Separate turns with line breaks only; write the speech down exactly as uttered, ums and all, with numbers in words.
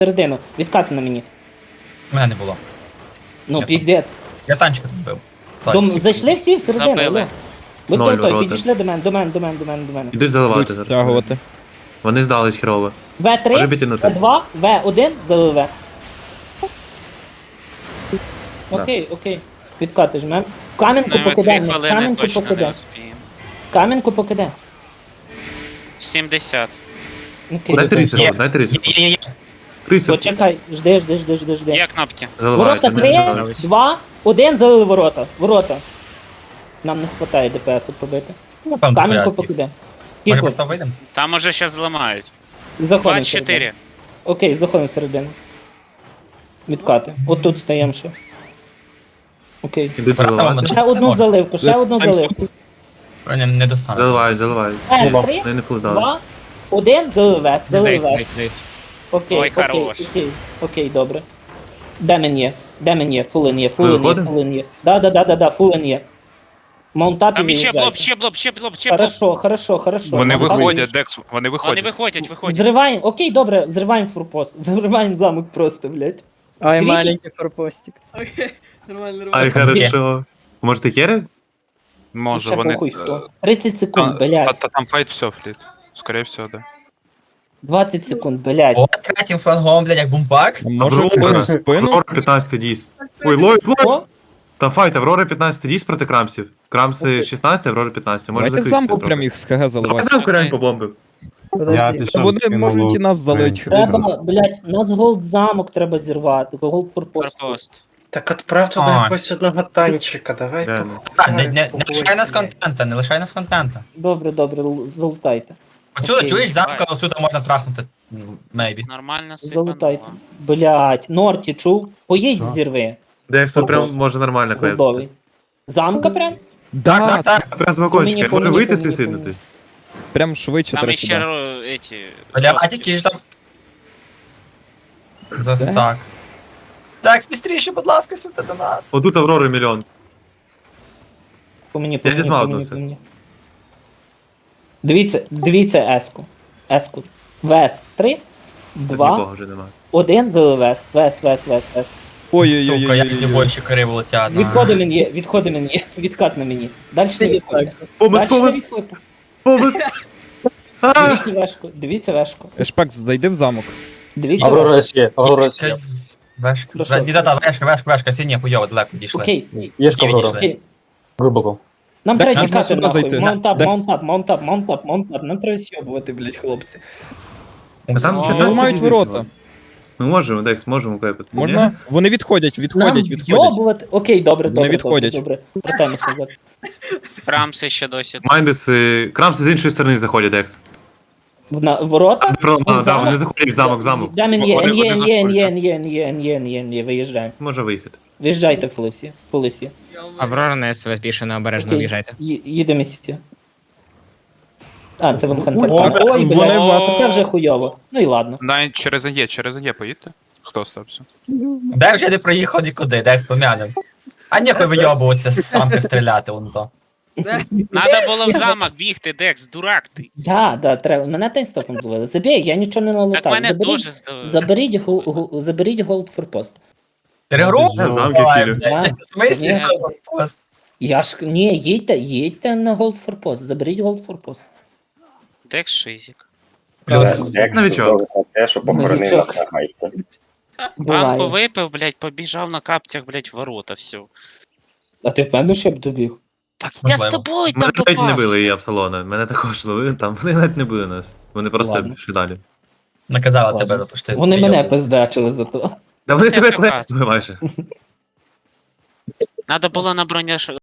Середину, відкати на мені.
Мене не було.
Ну,
Я
піздець.
Я танчика вбив.
Дом... Зайшли всі всередину,
Забили.
алло. Ви
Ноль
той, той,
ворота.
підійшли до мене, до мене, до мене, до мене, до мене.
Ідуть заливати
Будуть
зараз.
стягувати.
Вони здались херово.
В три,
Може піти на те.
В два, В один, залили В. Окей, окей. Відкати жмем. Камінку
Ну, ми дві
покидаємо,
хвилини
камінку
точно не
покидаємо.
успіємо.
Камінку покидаємо.
сімдесят.
Окей,
Дайте
добре.
рису, дайте рису.
Є, є, є.
Рису.
Почекай, жди, жди, жди, жди, жди.
Є кнопки.
Заливають.
Ворота три, два, один, залили ворота. Ворота. Нам не вистачає ДПСу побити.
Ну, там
Камінку
порядки.
покидаємо.
Може
Кіку,
просто вийдемо?
Там уже щас зламають.
заходимо
двадцять
всередину.
чотири.
Окей, заходимо всередину. Відкати. От тут стаємо ще. Окей.
Ідуть
Ворота
заливати.
вам
Ще одну заливку, ще одну заливку.
Не, не достане.
Заливають, заливають.
С три,
Вони не фулдали.
два, один, залив вест, залив вест. Окей,
Ой,
окей,
хорош.
окей, окей, добре. Де мен є? Де мен є? Фулен є, фулен є,
виходимо?
фулен є. Да, да, да, да, да, фулен є. Маунтап і
Там ще блоб,
виїжджайте.
ще блоб, ще блоб, ще блоб.
Хорошо, хорошо, хорошо.
Вони
Маунтап
виходять, Декс, вони
Вони
виходять.
виходять, виходять.
Взриваємо, окей, добре, взриваємо фурпост. Взриваємо замок просто, блядь.
Ай,
Дивіться.
маленький форпостик.
Окей, нормально,
Ай,
нормально.
хорошо. Може ти керри?
Може,
Ще
вони...
похуй
е,
хто. тридцять секунд,
та-
блядь.
та- та Там файт все, фліт. Скорее всего, да.
двадцять секунд, блядь.
О, третім флангом, блядь, як бумпак.
Може
Аврора.
спину, спину?
Аврора п'ятнадцять дійс. Ой, ловить, ловить.
О,
Там файт, Аврора п'ятнадцять дійс проти Крамсів. Крамси шістнадцять, Аврора п'ятнадцять. Може
Давайте
закрити.
замку прям їх з ХГ
Давай
заливати.
замку реально побомбив.
Подожди.
Вони можуть і нас залить.
треба, блядь, нас голд замок треба зірвати, голд фурпост.
Форпост.
Так отправ туди
А.
якогось одного танчика, давай.
Реально.
Так, не, не, не лишай нас контента, не лишай нас контента.
Добре, добре, л- залутайте.
Отсюди,
Окей.
чуєш, замка, отсюди можна трахнути. Мейбі.
Нормально
Залутайте.
сипануло.
Блядь, Норті, чув? Поїдь зірви.
Дексо прям
Фурпост.
може нормально клеїти.
Голдовий. Замка прям?
Так,
Да,
так, так.
Прям з
По мені,
вагончика.
по
Може
мені,
вийти
по мені, по
суїцидно,
мені.
тобто.
прям швидше
Там
треба
іще
сюди.
ро- эти...
Бля, а які ж там. За стак. Так, спістріше, будь ласка, сюди до нас.
Отут Аврори мільйон.
По мені, по
Я
мені,
дізмав
по мені,
одну
по мені. Дивіться, дивіться еску. Еску. Вес три, два,
Нікого вже немає.
один, залив вес. Вес, вес, вес, вес.
Сука, як ті
Ой-ой-ой.
більше криво летять.
Відходи мені є, відходи мені є, відкат на мені. Далі не відходьте.
Помис,
Далі не
помис,
відходьте.
помис. А!
Дивіться вешку, дивіться вешку.
Ешпак, зайди в замок.
Дивіться
Аврора
вешку.
С є, Аврора С є.
Вешка.
Ну що?
Ді-да-да, вешка, вешка, вешка, синя, хуйово, далеко дійшли.
Окей,
Є ж
Ні,
Аврора,
окей.
глибоко.
Нам
Так,
треба
можна
тікати
сюди
нахуй.
зайти.
Маунтап,
Так.
маунтап, маунтап, маунтап, маунтап. Нам треба сьобувати, блядь, хлопці.
А там
О,
Вони
п'ятнадцять
мають
дійс
ворота.
всього. Ми можемо, Декс, можемо клепати.
Можна? Вони відходять,
Нам
відходять, відходять.
йобувати. Окей, добре,
Вони
добре, добре,
відходять.
добре. Вертаємось назад.
Рамси ще досі.
Майндес, е, Крамси з іншої сторони заходять, Декс.
На ворота?
Про-
В
а, Да,
замок?
вони заходять в замок, в замок.
Да, мен є,
Вони-
є,
вони
є, є,
заходять.
є, є, є, є, є, виїжджаємо.
Може виїхати.
Виїжджайте, Фулесі, Фулесі.
Аврора на СВС більше необережно
Окей.
в'їжджайте.
Ї- Їдемо сіті. А, це вон Хантер.
Ой,
Ой,
вони
блядь,
вас-
це вже хуйово. Ну і ладно.
Навіть через АЄ, через АЄ поїдьте. Хто остався?
Де вже не проїхав нікуди, де спомянем. А ніхуй вийобуватися з самки стріляти, вон то.
Надо було в замок бігти, Декс, дурак ти.
Да, да, треба. Мене таймстопом зловили. Забій, я нічого не налутав.
Так мене
Заберіть,
теж здавили.
заберіть, гол- гол- заберіть голд форпост.
Перегру?
Я в замки хілю.
Да.
В смислі?
Ні. Я ж, ні, їдьте, їдьте на голд форпост. Заберіть голд форпост.
Декс шизик.
Новичок.
Те, що
похоронив Новичок.
нас на гайці.
Пан
Буває.
повипив, блядь, побіжав на капцях, блядь, в ворота, все.
А ти впевнений, що я б добіг?
Так я з
Можливо.
тобою
Мене
там
навіть не били
попався.
і Апсалона. Мене також ловили там. Вони навіть не били нас. Вони просто
Ладно.
пішли далі.
Наказала
Ладно.
тебе запустити.
Вони мене пиздачили за то.
Да вони
Це
тебе
прекрасно.
клепали майже.
Надо було на броня